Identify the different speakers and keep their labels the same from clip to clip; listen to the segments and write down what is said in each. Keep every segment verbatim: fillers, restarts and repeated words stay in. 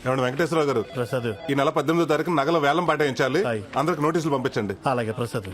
Speaker 1: ఏమండి వెంకటేశ్వరరావు గారు,
Speaker 2: ప్రసాద్
Speaker 1: ఈ నెల పద్దెనిమిదో తారీఖు నగల వేలం పాటించాలి.
Speaker 2: హాయ్.
Speaker 1: అందరికి నోటీసులు పంపించండి.
Speaker 2: అలాగే ప్రసాద్.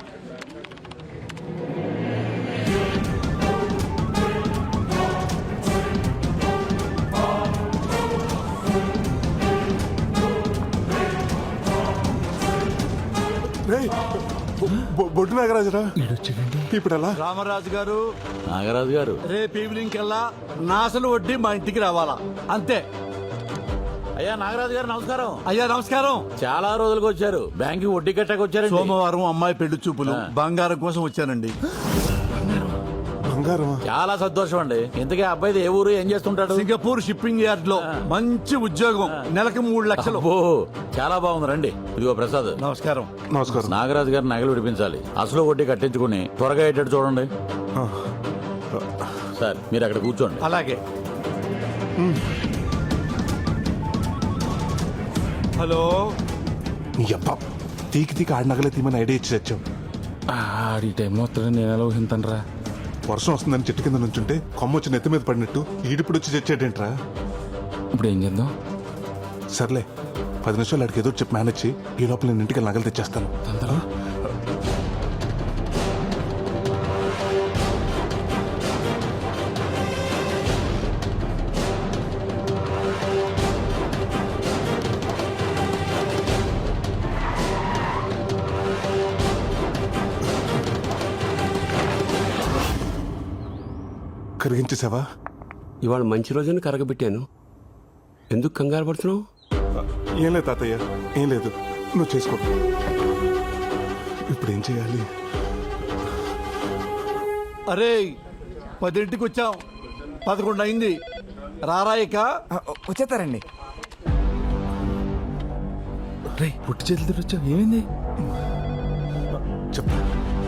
Speaker 1: రేయ్, బొ- బొ- బొడ్డు నాగరాజురా, ఇప్పుడు ఎలా?
Speaker 3: రామరాజు గారు,
Speaker 4: నాగరాజు గారు,
Speaker 3: రేపు ఈవినింగ్ కల్లా నాసలు వడ్డీ మా ఇంటికి రావాలా అంతే.
Speaker 4: అయ్యా నాగరాజు గారు నమస్కారం.
Speaker 3: అయ్యా నమస్కారం.
Speaker 4: చాలా రోజులకు వచ్చారు, బ్యాంక్ వడ్డీ కట్టకు వచ్చారు.
Speaker 3: సోమవారం అమ్మాయి పెళ్లి చూపులు, బంగారం కోసం వచ్చానండి.
Speaker 1: బంగారమా?
Speaker 4: చాలా సంతోషం అండి. ఇంతకీ ఆ అబ్బాయిది ఏ ఊరు, ఏం చేస్తుంటాడు?
Speaker 3: సింగపూర్ షిప్పింగ్ యార్డ్ లో మంచి ఉద్యోగం, నెలకు మూడు లక్షలు.
Speaker 4: ఓ చాలా బాగుంది. రండి. ఇదిగో ప్రసాద్.
Speaker 3: నమస్కారం.
Speaker 1: నమస్కారం.
Speaker 4: నాగరాజు గారు నగలు విడిపించాలి. అసలు వడ్డీ కట్టించుకుని త్వరగా అయ్యేటట్టు చూడండి. సార్ మీరు అక్కడ కూర్చోండి.
Speaker 3: అలాగే. హలో.
Speaker 1: నీ అబ్బా, తీకి తీకి ఆడి నగలే తీమని ఐడియా ఇచ్చి తెచ్చావు.
Speaker 5: ఆడి టైంలో వస్తాడని నేను ఎలా ఊహింతనరా.
Speaker 1: వర్షం వస్తుందని చెట్టు కింద నుంచుంటే కొమ్మ వచ్చి నెత్తి మీద పడినట్టు ఈడిప్పుడు వచ్చి తెచ్చాడేంట్రా?
Speaker 5: ఇప్పుడు ఏం చేద్దాం?
Speaker 1: సర్లే, పది నిమిషాలు ఆడికి ఏదో చెప్పి మేనేజ్ చేయి. ఈ లోపల నేను ఇంటికి నగలు తెచ్చేస్తాను.
Speaker 5: తొందర
Speaker 1: కరిగించేసావా?
Speaker 6: ఇవాళ మంచి రోజున కరగబెట్టాను. ఎందుకు కంగారు పడుతున్నావు?
Speaker 1: ఏం లేదు తాతయ్య, ఏం లేదు. నువ్వు చేసుకో. ఇప్పుడు ఏం చేయాలి?
Speaker 3: అరే, పదింటికి వచ్చాం, పదకొండు అయింది. రారాయిక
Speaker 7: వచ్చేస్తారండి.
Speaker 5: రే పుట్టి చేతులతో వచ్చావు, ఏమైంది?
Speaker 1: చెప్పు.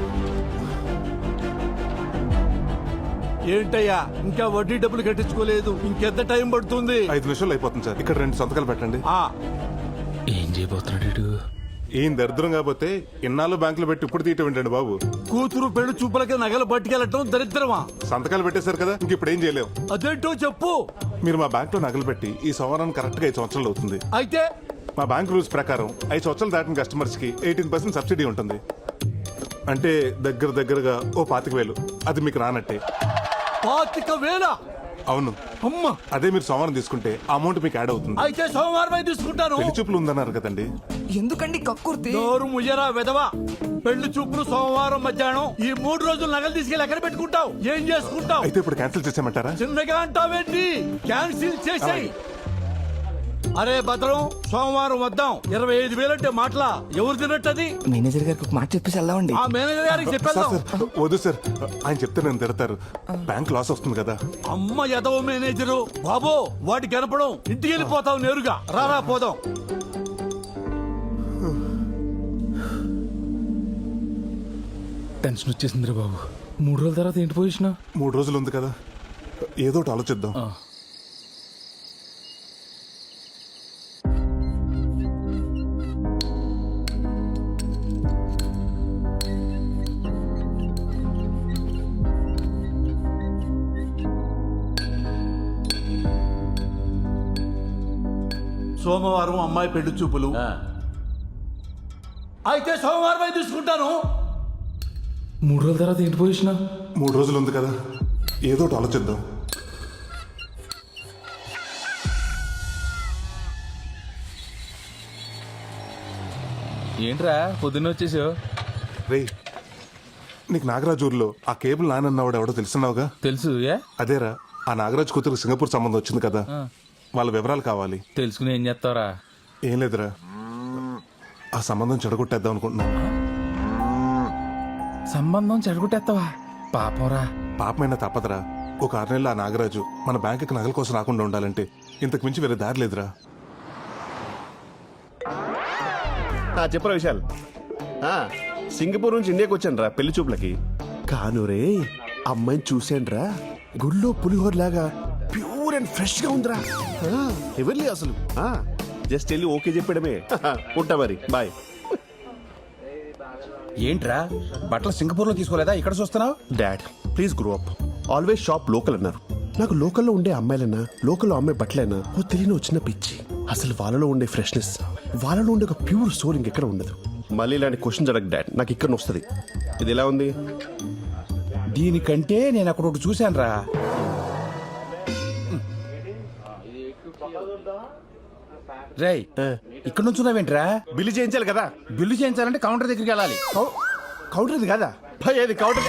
Speaker 3: ఏంటయ్యా, ఇంకా వడ్డీ డబ్బులు కట్టించుకోలేదు, ఇంకెంత టైం పడుతుంది?
Speaker 1: ఐదు నిమిషాలు అయిపోతుంది సార్. ఇక్కడ రెండు సంతకాలు పెట్టండి.
Speaker 3: ఆ
Speaker 5: ఏం చేయబోతున్నాడు వీడు?
Speaker 1: ఏం దరిద్రం కాకపోతే ఇన్నాళ్ళు బ్యాంకులో పెట్టి ఇప్పుడు తీయటం ఏంటండి బాబు?
Speaker 3: కూతురు పెళ్లి చూపులకి నగలు పట్టుకెళ్ళటం దరిద్రమా?
Speaker 1: సంతకాలు పెట్టేశారు కదా, ఇంక ఇప్పుడు ఏం చేయలేం.
Speaker 3: అదేంటో చెప్పు.
Speaker 1: మీరు మా బ్యాంక్ లో నగలు పెట్టి ఈ సంవత్సరానికి కరెక్ట్ గా ఐదు సంవత్సరాలు అవుతుంది.
Speaker 3: అయితే
Speaker 1: మా బ్యాంక్ రూల్స్ ప్రకారం ఐదు సంవత్సరాలు దాటిన కస్టమర్స్ కి ఎయిటీన్ పర్సెంట్ సబ్సిడీ ఉంటుంది. అంటే దగ్గర దగ్గరగా ఓ పాతిక వేలు. అది మీకు రానట్టే.
Speaker 3: పాతిక వేల?
Speaker 1: అవును.
Speaker 3: అమ్మ,
Speaker 1: అదే మీరు సోమవారం తీసుకుంటే ఆ అమౌంట్ మీకు యాడ్ అవుతుంది.
Speaker 3: అయితే సోమవారం తీసుకుంటాను.
Speaker 1: పెళ్లి చూపులు ఉందన్నారు కదండి.
Speaker 7: ఎందుకండి కక్కుర్తి?
Speaker 3: నోరు ముయ్యరా వెదవా. పెళ్లి చూపులు సోమవారం మధ్యాహ్నం. ఈ మూడు రోజులు నగలు తీసుకెళ్ళి ఎక్కడ పెట్టుకుంటావు? ఏం చేసుకుంటావు?
Speaker 1: అయితే ఇప్పుడు క్యాన్సిల్ చేసేయమంటారా?
Speaker 3: చిన్నగా అంటావేంటి? క్యాన్సిల్ చేసేయ్. అరే భద్రం, సోమవారం వద్దాం. ఇరవై ఐదు వేలు అంటే మాటలా? ఎవరు తినట్టది?
Speaker 7: మేనేజర్ గారికి ఒక మాట చెప్పేసి వెళ్దామండి.
Speaker 3: ఆ మేనేజర్ గారికి
Speaker 1: సార్
Speaker 3: చెప్పేద్దాం.
Speaker 1: సార్, వద్దు సార్. ఆయన చెప్తే నేను తిడతారు. బ్యాంక్ లాస్ వస్తుంది కదా.
Speaker 3: అమ్మ ఎదవ మేనేజరు బాబో, వాటి కనపడం. ఇంటికి వెళ్ళిపోతావు నేరుగా. రారా పోదాం.
Speaker 5: టెన్షన్ వచ్చేసిందిరా బాబు. మూడు రోజుల తర్వాత ఏంటి పొజిషన్?
Speaker 1: మూడు రోజులు ఉంది కదా, ఏదో ఒకటి ఆలోచిద్దాం.
Speaker 3: సోమవారం అమ్మాయి పెళ్లి చూపులు.
Speaker 4: ఆ,
Speaker 3: అయితే సోమవారం తీసుకుంటాను.
Speaker 5: మూడు రోజుల తర్వాత ఏంటి పొజిషన్?
Speaker 1: మూడు రోజులు ఉంది కదా, ఏదో ఒకటి ఆలోచిద్దాం.
Speaker 5: ఏంట్రా పొద్దున్న వచ్చేసావు?
Speaker 1: రే, నీకు నాగరాజు ఊర్లో ఆ కేబుల్ నానన్నవాడు ఎవడో తెలుసున్నావుగా?
Speaker 5: తెలుసు. ఏ
Speaker 1: అదేరా, ఆ నాగరాజు కూతురు సింగపూర్ సంబంధం వచ్చింది కదా, వాళ్ళ వివరాలు కావాలి.
Speaker 5: తెలుసుకుని ఏం చేస్తావరా?
Speaker 1: ఏం లేదురా, ఆ సంబంధం చెడగొట్టేద్దాం అనుకుంటున్నాను.
Speaker 5: సంబంధం చెడగొట్టేస్తావా? పాపంరా.
Speaker 1: పాపమైనా తప్పదురా. ఒక ఆరు నెలలు ఆ నాగరాజు మన బ్యాంకుకి నగల కోసం రాకుండా ఉండాలంటే ఇంతకు మించి వేరే దారి లేదురా.
Speaker 6: చెప్పరా విశాల్. ఆ, సింగపూర్ నుంచి ఇండియాకి వచ్చాను రా పెళ్లి చూపులకి. కాను రే, అమ్మాయిని చూశాను రా, గుళ్ళో పులిహోర లాగా ప్యూర్ అండ్ ఫ్రెష్ గా ఉందిరా. ఎవరిలే అసలు. జస్ట్ వెళ్ళి ఓకే చెప్పడమే. ఉంటా మరి, బాయ్.
Speaker 8: ఏంట్రా బట్టలు సింగపూర్ లో తీసుకోలేదా, ఇక్కడ చూస్తున్నావు?
Speaker 6: Dad please grow up. Always shop local అన్నారు. నాకు లోకల్లో ఉండే అమ్మాయిలైనా లోకల్లో అమ్మాయి బట్టలైనా ఓ తెలియని చిన్న పిచ్చి. అసలు వాళ్ళలో ఉండే ఫ్రెష్నెస్, వాళ్ళలో ఉండే ఒక ప్యూర్ సోల్ ఇంకెక్కడ ఉండదు. మళ్ళీ ఇలాంటి క్వశ్చన్స్ అడగ డాడ్, నాకు ఇక్కడ వస్తుంది. ఇది ఎలా ఉంది?
Speaker 2: దీనికంటే నేను అక్కడ ఒకటి చూశాను రా. రేయ్, ఇక్కడ నుంచి ఉన్నావేంట్రా?
Speaker 6: బిల్లు చేయించాలి కదా.
Speaker 2: బిల్లు చేయించాలంటే కౌంటర్ దగ్గరికి వెళ్ళాలి.
Speaker 6: కౌ- కౌంటర్ ఇది కదా భయ్, అది కౌంటర్.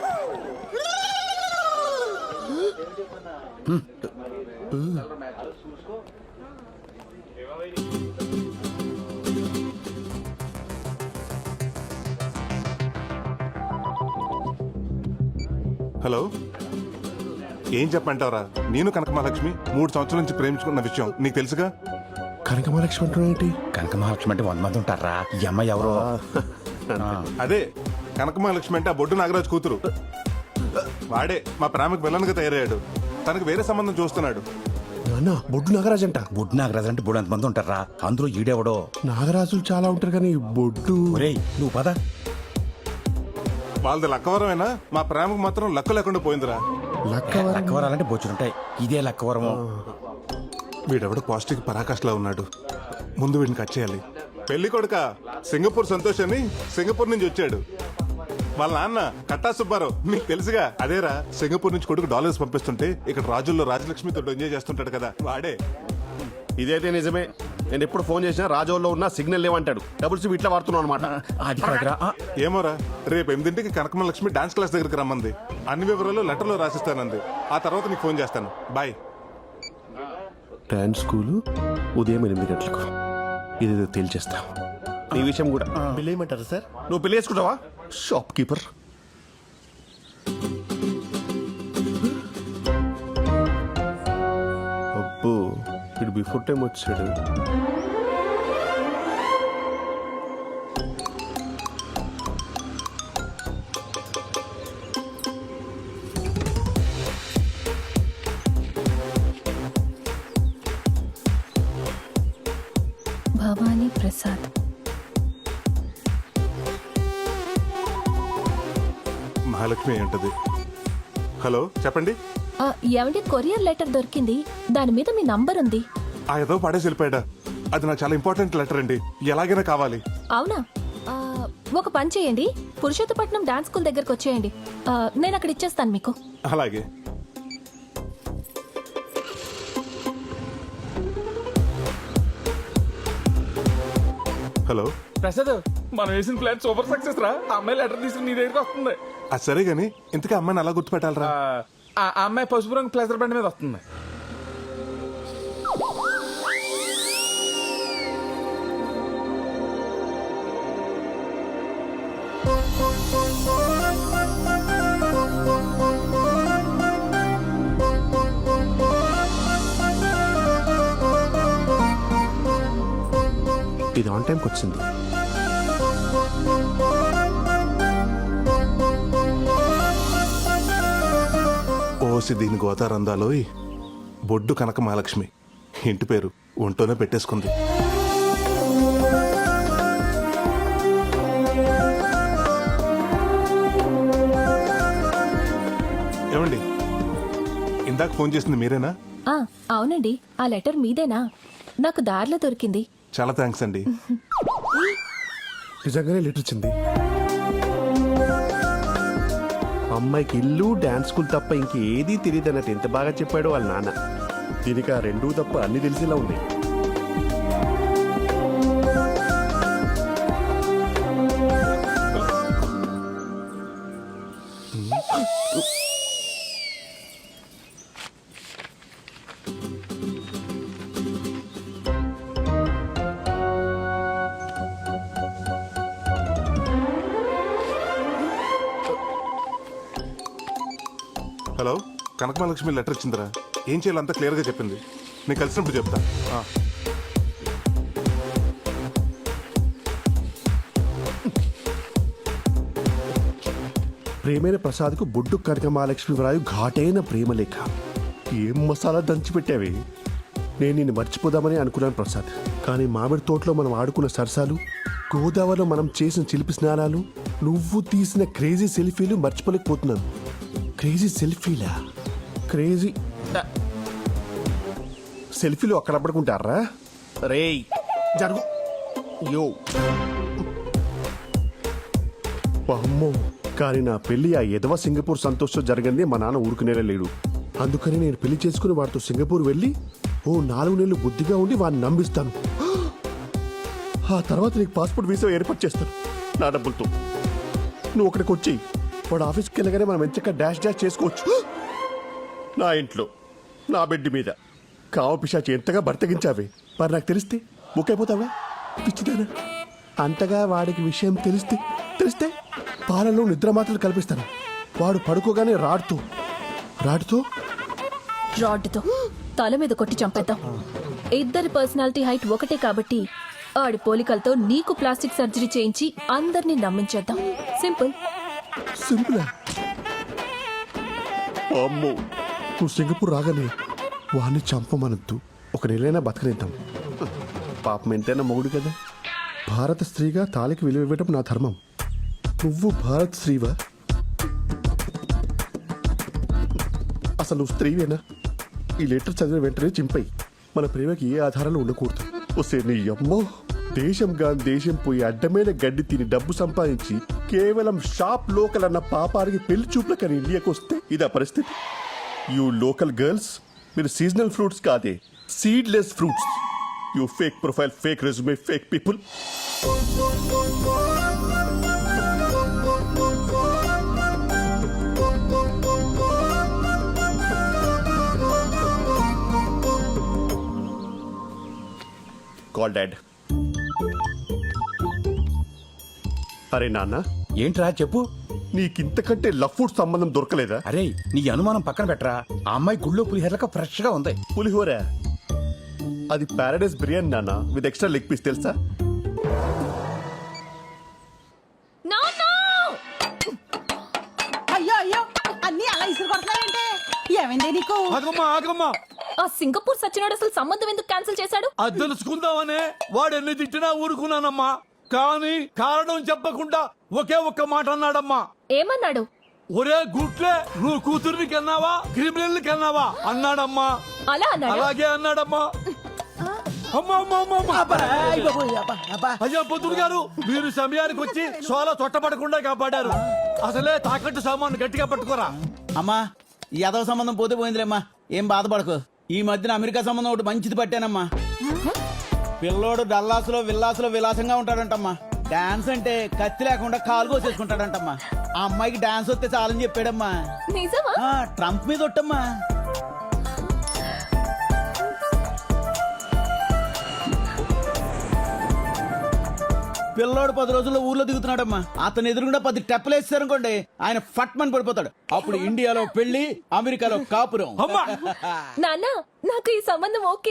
Speaker 1: హలో, ఏం చెప్పంటావరా? నేను కనకమహాలక్ష్మి మూడు సంవత్సరాల నుంచి ప్రేమించుకున్న విషయం నీకు తెలుసుగా.
Speaker 6: కనకమహాలక్ష్మి అంటున్నా ఏంటి?
Speaker 2: కనక మహాలక్ష్మి అంటే వంద మంది ఉంటారా? ఈ అమ్మాయి ఎవరో.
Speaker 1: అదే కనకమహాలక్ష్మి అంటే ఆ బొడ్డు నాగరాజు కూతురు. వాడే మా ప్రేమకు విలన్గా తయారయ్యాడు. తనకు వేరే సంబంధం చూస్తున్నాడు.
Speaker 6: నాన్న, బొడ్డు నాగరాజు అంట.
Speaker 2: బుడ్ నాగరాజు అంటే బుడ్ మంది ఉంటారా? అందులో ఈడెవడో.
Speaker 6: నాగరాజులు చాలా ఉంటారు కానీ బొడ్డు.
Speaker 2: ఒరేయ్ నువ్వు పద.
Speaker 1: వాళ్ళది లక్కవరమైనా మా ప్రేమకు మాత్రం లక్క లేకుండా పోయిందిరా.
Speaker 6: లక్కవరం.
Speaker 2: లక్కవరాలంటే బొచ్చులుంటాయి. ఇదే లక్కవరము.
Speaker 1: వీడెవడో పాజిటివ్ పరాకాష్లా ఉన్నాడు. ముందు వీడిని కట్ చేయాలి. పెళ్లి కొడుక సింగపూర్ సంతోష్ అని సింగపూర్ నుంచి వచ్చాడు. వాళ్ళ నాన్న కట్టా సుబ్బారావు, మీకు తెలుసుగా. అదేరా, సింగపూర్ నుంచి కొడుకు డాలర్స్ పంపిస్తుంటే ఇక్కడ రాజుల్లో రాజలక్ష్మితో ఎంజాయ్ చేస్తుంటాడు కదా, వాడే.
Speaker 6: ఇదైతే నిజమే. నేను ఎప్పుడు ఫోన్ చేసినా రాజోల్లో ఉన్న సిగ్నల్ లేవంటాడు. డబుల్ సిమ్ ఇట్లా వాడుతున్నాను అనమాట.
Speaker 2: అది కాదురా. ఆ,
Speaker 1: ఏమోరా, రేపు ఎనిమిదింటికి కనకమలక్ష్మి డాన్స్ క్లాస్ దగ్గరికి రమ్మంది. అన్ని వివరాలు లెటర్లో రాసిస్తానంది. ఆ తర్వాత నీకు ఫోన్ చేస్తాను. బాయ్.
Speaker 6: డాన్స్ స్కూలు ఉదయం ఎనిమిది గంటలకు. ఇది తేల్చేస్తా. ఈ విషయం కూడా బిల్ వేయమంటారా సార్? నువ్వు బిల్ వేసుకుంటావా షాప్ కీపర్? అబ్బో, ఇటు బిఫోర్ టైం వచ్చాడు.
Speaker 8: భవానీ ప్రసాద్.
Speaker 1: మహాలక్ష్మి అయి ఉంటది. హలో, చెప్పండి.
Speaker 8: ఆ, ఏమండి, కొరియర్ లెటర్ దొరికింది. దాని మీద మీ నంబర్ ఉంది.
Speaker 1: ఆ ఏదో పడేసి వెళ్ళిపోయాడా? అది నాకు చాలా ఇంపార్టెంట్ లెటర్ అండి, ఎలాగైనా కావాలి.
Speaker 8: అవునా? ఆ, ఒక పని చేయండి, పురుషోత్తపట్నం డాన్స్ స్కూల్ దగ్గరకు వచ్చేయండి. ఆ, నేను అక్కడ ఇచ్చేస్తాను మీకు.
Speaker 1: అలాగే. హలో.
Speaker 5: ప్రసాద్, మనం వేసిన ప్లాన్ సూపర్ సక్సెస్ రా. ఆ అమ్మాయి లెటర్ తీసుకుని నీ దగ్గరికి వస్తుంది.
Speaker 1: అది సరే గాని ఇంతకీ అమ్మాయిని అలా గుర్తుపెట్టాలరా?
Speaker 5: ఆ ఆ అమ్మాయి పసుపు రంగు ప్లేసర్ బండి మీద వస్తుంది.
Speaker 6: ఇది ఆన్ టైంకి వచ్చింది.
Speaker 1: ఓసి దీని గోతారందాలోయ్, బొడ్డు కనక మహాలక్ష్మి ఇంటి పేరు ఒంటోనే పెట్టేసుకుంది. ఏమండి, ఇందాక ఫోన్ చేసింది మీరేనా?
Speaker 8: ఆ, అవునండి. ఆ లెటర్ మీదేనా? నాకు దారిలో దొరికింది.
Speaker 1: చాలా థ్యాంక్స్ అండి.
Speaker 6: నిజంగానే లెటర్ వచ్చింది. అమ్మాయికి ఇల్లు డాన్స్ స్కూల్ తప్ప ఇంకేదీ తెలియదు అన్నట్టు ఎంత బాగా చెప్పాడు వాళ్ళ నాన్న. దీనికి ఆ రెండూ తప్ప అన్ని తెలిసేలా ఉంది.
Speaker 1: హలో, కనకమహాలక్ష్మి లెటర్ ఇచ్చిందిరా. ఏం చేయాలో అంతా క్లియర్గా చెప్పింది. నేను కలిసినప్పుడు చెప్తా. ఆ.
Speaker 6: ప్రేమైన ప్రసాద్కు బొడ్డు కనక మహాలక్ష్మి వ్రాయు ఘాటైన ప్రేమలేఖ. ఏం మసాలా దంచిపెట్టావి. నేను నిన్ను మర్చిపోదామని అనుకున్నాను ప్రసాద్, కానీ మామిడి తోటలో మనం ఆడుకున్న సరసాలు, గోదావరిలో మనం చేసిన చిలిపి స్నానాలు, నువ్వు తీసిన క్రేజీ సెల్ఫీలు మర్చిపోలేకపోతున్నాను. క్రేజీ సెల్ఫీలా? క్రేజీ సెల్ఫీలు అక్కడ పడుకుంటారా రేయ్ జరుగు యో అమ్మో కానీ నా పెళ్లి ఆ ఎదవ సింగపూర్ సంతోషం జరిగింది మా నాన్న ఊరుకునేలా లేడు. అందుకని నేను పెళ్లి చేసుకుని వాడితో సింగపూర్ వెళ్ళి ఓ నాలుగు నెలలు బుద్ధిగా ఉండి వాడిని నమ్మిస్తాను. ఆ తర్వాత నీకు పాస్పోర్ట్ వీసా ఏర్పాటు చేస్తాను నా డబ్బులతో. నువ్వు అక్కడికి వచ్చి వాడు ఆఫీస్కి వెళ్ళగానే మనం ఎంచక్క డాష్ డాష్ చేసుకోవచ్చు. నా ఇంట్లో నా బెడ్ మీద కావ పిశాచి ఎంతగా బర్తగించావే, మరి నాకు తెలిస్తే బుక్ అయిపోతావా పిచ్చిదానా? అంతగా వాడికి విషయం తెలిస్తే తెలిస్తే పాలలో నిద్ర మాత్రలు కల్పిస్తాను. వాడు పడుకోగానే రాడుతూ రాడుతూ
Speaker 8: రాడ్డుతో తల మీద కొట్టి చంపేద్దాం. ఇద్దరి పర్సనాలిటీ హైట్ ఒకటే కాబట్టి ఆడి పోలికలతో నీకు ప్లాస్టిక్ సర్జరీ చేయించి అందరినీ నమ్మించేద్దాం. సింపుల్.
Speaker 6: సింపులా? అమ్మో నువ్వు సింగపూర్ రాగానే వాడిని చంపమనద్దు, ఒక నెలైనా బతకనిద్దాం. పాపం ఎంతైనా మొగుడు కదా. భారత స్త్రీగా తాళికి విలువ ఇవ్వటం నా ధర్మం. నువ్వు భారత్ స్త్రీవా? అసలు నువ్వు స్త్రీవేనా? ఈ లెటర్ చదివిన వెంటనే చింపై. మన ప్రేమకి ఏ ఆధారాలు ఉండకూడదు. వస్తే నీ అమ్మో దేశం గాని దేశం పోయి అడ్డమైన గడ్డి తిని డబ్బు సంపాదించి కేవలం షాప్ లోకల్ అన్న పాపానికి పెళ్లి చూపులకని ఇండియాకి వస్తే ఇదా పరిస్థితి. యూ లోకల్ గర్ల్స్, మీరు సీజనల్ ఫ్రూట్స్ కాదే, seedless fruits. You fake profile, fake resume, fake people. Call dad. అరే నాన్న,
Speaker 2: ఏంట్రా చెప్పు.
Speaker 6: నీకింతకంటే లవ్ ఫుడ్ సంబంధం దొరకలేదా?
Speaker 2: అరే నీ అనుమానం పక్కన పెట్టరా, ఆ అమ్మాయి గుళ్ళో పులిహేరలక ఫ్రెష్ గా ఉంది.
Speaker 6: పులిహోర అది పారాడైస్ బిర్యానీ నాన్న, విత్ ఎక్స్ట్రా లెగ్ పీస్ తెలుసా?
Speaker 9: అయ్యో అయ్యో అన్ని అలా ఇసురు కొడుతున్నాయంటే ఏమైంది నీకు?
Speaker 3: ఆగమ్మా ఆగమ్మా,
Speaker 8: ఆ సింగపూర్ సచ్చినోడు అసలు సంబంధం ఎందుకు క్యాన్సిల్ చేశాడు?
Speaker 3: అది తెలుసుకుందామనే వాడు ఎన్ని తిట్టినా ఊరుకున్నానమ్మా. కానీ కారణం చెప్పకుండా ఒకే ఒక్క మాట అన్నాడమ్మా.
Speaker 8: ఏమన్నాడు?
Speaker 3: ఒరే గుట్లే, నువ్వు కూతుర్ని కన్నావా క్రిమినల్ కన్నావా అన్నాడమ్మా.
Speaker 8: అలా అన్నాడు.
Speaker 3: అలాగే అన్నాడమ్మా. అమ్మా, అమ్మా, అమ్మా, అమ్మా. అయ్యా పొద్దుడు గారు, మీరు సమయానికి వచ్చి సోల చొట్టపడకుండా కాపాడారు. అసలే తాకట్టు సామాను గట్టిగా పట్టుకోరా.
Speaker 10: అమ్మా ఈ యాదవ సంబంధం పోతే పోయిందిలేమ్మా, ఏం బాధపడకు. ఈ మధ్యన అమెరికా సంబంధం ఒకటి మంచిది పట్టానమ్మా. పిల్లోడు డల్లాసులో విల్లాసులో విలాసంగా ఉంటాడంటమ్మా. డాన్స్ అంటే కత్తి లేకుండా కాలు కోసేసుకుంటాడంటమ్మా. ఆ అమ్మాయికి డాన్స్ వస్తే చాలని చెప్పాడమ్మా.
Speaker 8: నిజమా?
Speaker 10: ఆ, ట్రంప్ మీద ఒట్టమ్మా. పిల్లోడు పది రోజుల్లో ఊర్లో దిగుతున్నాడమ్మా. అతను ఎదురుగుండా పది టెప్పలు వేస్తారనుకోండి, ఆయన ఫట్ మని పడిపోతాడు. అప్పుడు ఇండియాలో పెళ్లి, అమెరికాలో కాపురం.
Speaker 3: అమ్మా
Speaker 8: నాన్న నాకు ఈ సంబంధం ఓకే.